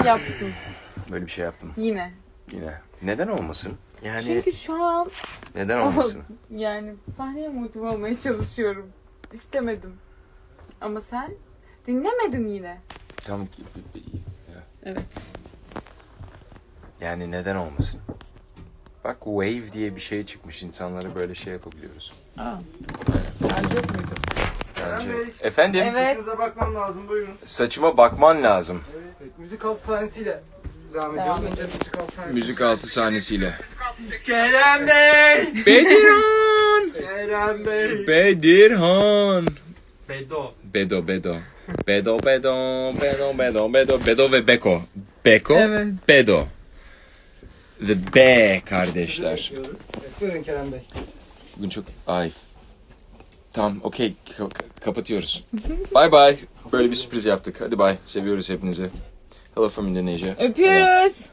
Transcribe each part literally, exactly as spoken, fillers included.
yaptın. Böyle bir şey yaptım. Yine. Yine. Neden olmasın? Yani Çünkü şu an neden olmasın? yani sahneye motive olmaya çalışıyorum. İstemedim. Ama sen dinlemedin yine. Tam Evet. yani neden olmasın? Bak wave diye bir şey çıkmış. İnsanlara böyle şey yapabiliyoruz. Aa. Bence yok muydu? Bence. Kerem Bey. Efendim? Evet. Saçınıza bakmam lazım, buyurun. Saçıma bakman lazım. Evet, evet. Müzik altı sahnesiyle devam Devam ediyoruz. Önce müzik altı sahnesi. Müzik altı sahnesiyle. Kerem Bey! Bedirhan! Kerem Bey! Bedirhan! Bedo. Bedo Bedo. Bedo Bedo Bedo Bedo Bedo Bedo ve Beko. Beko, Evet. Bedo. Ve B kardeşler. Sizi bekliyoruz. Evet, buyurun Kerem Bey. Bugün çok ay. Tamam, okey, Ka- ka- kapatıyoruz. Bye bye. Böyle bir sürpriz yaptık. Hadi bye. Seviyoruz hepinizi. Hello from Indonesia. Öpüyoruz.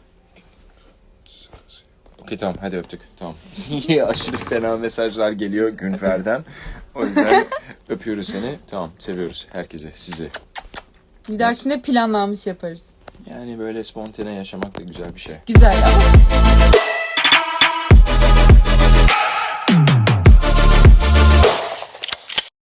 Okey tamam, hadi öptük. Tamam. Aşırı fena mesajlar geliyor Günfer'den. O yüzden öpüyoruz seni. Tamam, seviyoruz herkese, sizi. Bir dahakine planlanmış yaparız. Yani böyle spontane yaşamak da güzel bir şey. Güzel ama